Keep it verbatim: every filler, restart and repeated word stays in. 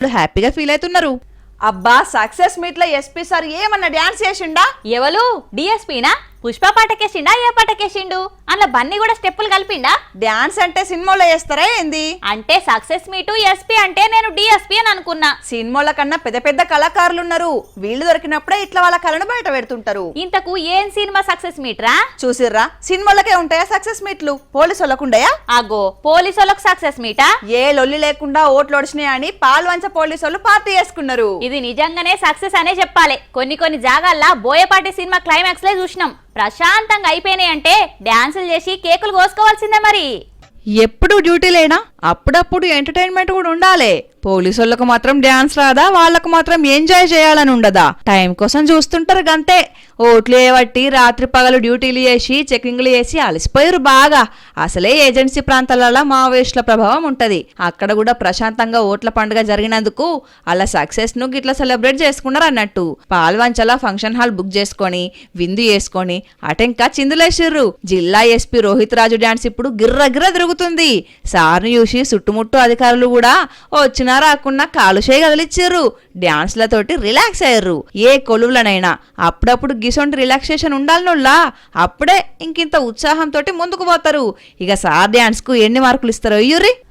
హ్యాపీగా ఫీల్ అవుతున్నారు. అబ్బా సక్సెస్ మీట్ లో ఎస్పీ సార్ ఏమన్నా డాన్స్ చేసిండా? ఎవలు డిఎస్పీనా? పుష్ప పాటకేసిండా? ఏ పాటకేసిండు? అందులో బన్నీ కూడా స్టెప్పులు కలిపిండా? డాన్స్ అంటే సినిమాలో చేస్తారా ఏంది? అంటే సక్సెస్ మీటు ఎస్పీ అంటే నేను డిఎస్పీ అని అనుకున్నా. సినిమాల కన్నా పెద్ద పెద్ద కళాకారులు ఉన్నారు. వీళ్ళు దొరికినప్పుడే ఇట్లా వాళ్ళ కళను బయట పెడుతుంటారు. ఇంతకు ఏం సినిమా సక్సెస్ మీట్ రా? చూసిర్రా, సినిమాలకే ఉంటాయా సక్సెస్ మీట్లు? పోలీసు వాళ్ళకు ఉండయా? అగో పోలీసు వాళ్ళకు సక్సెస్ మీటా? ఏ లొల్లి లేకుండా ఓట్లు ఒడిచినాయి అని పాల్వంచ పోలీసు వాళ్ళు పార్టీ చేసుకున్నారు. ఇది నిజంగానే సక్సెస్ అనే చెప్పాలి. కొన్ని కొన్ని జాగాల్లో బోయపాటి సినిమా క్లైమాక్స్ లే చూసినాం. ప్రశాంతంగా అయిపోయినాయి అంటే డాన్సులు చేసి కేకులు కోసుకోవాల్సిందే. మరి ఎప్పుడు డ్యూటీ లేనా? అప్పుడప్పుడు ఎంటర్టైన్మెంట్ కూడా ఉండాలి. పోలీసులకు మాత్రం డాన్స్ రాదా? వాళ్లకు మాత్రం ఎంజాయ్ చేయాలని ఉండదా? టైం కోసం చూస్తుంటారు గంతే. ఓట్లు వేయబట్టి రాత్రి పగలు డ్యూటీలు చేసి చెకింగ్లు చేసి అలసిపోయారు బాగా. అసలే ఏజెన్సీ ప్రాంతాలలో మావోయిస్టుల ప్రభావం ఉంటది. అక్కడ కూడా ప్రశాంతంగా ఓట్ల పండుగ జరిగినందుకు అలా సక్సెస్ ను గిట్లా సెలబ్రేట్ చేసుకున్నారు అన్నట్టు. పాల్వంచల ఫంక్షన్ హాల్ బుక్ చేసుకొని విందు చేసుకొని అటెంకా చిందులేసిర్రు. జిల్లా ఎస్పీ రోహిత్ రాజు డాన్స్ ఇప్పుడు గిర్ర గిర్ర తిరుగుతుంది. సార్ను చూసి చుట్టుముట్టు అధికారులు కూడా వచ్చిన రాకున్నా కాలుషే కదిలిచ్చారు. డాన్స్లతోటి రిలాక్స్ అయ్యారు. ఏ కొలువులనైనా అప్పుడప్పుడు గిసొంటి రిలాక్సేషన్ ఉండాలనుల్లా. అప్పుడే ఇంకింత ఉత్సాహంతో ముందుకు పోతారు. ఇక సార్ డాన్స్ కు ఎన్ని మార్కులు ఇస్తారో ఇయ్యుర్రి.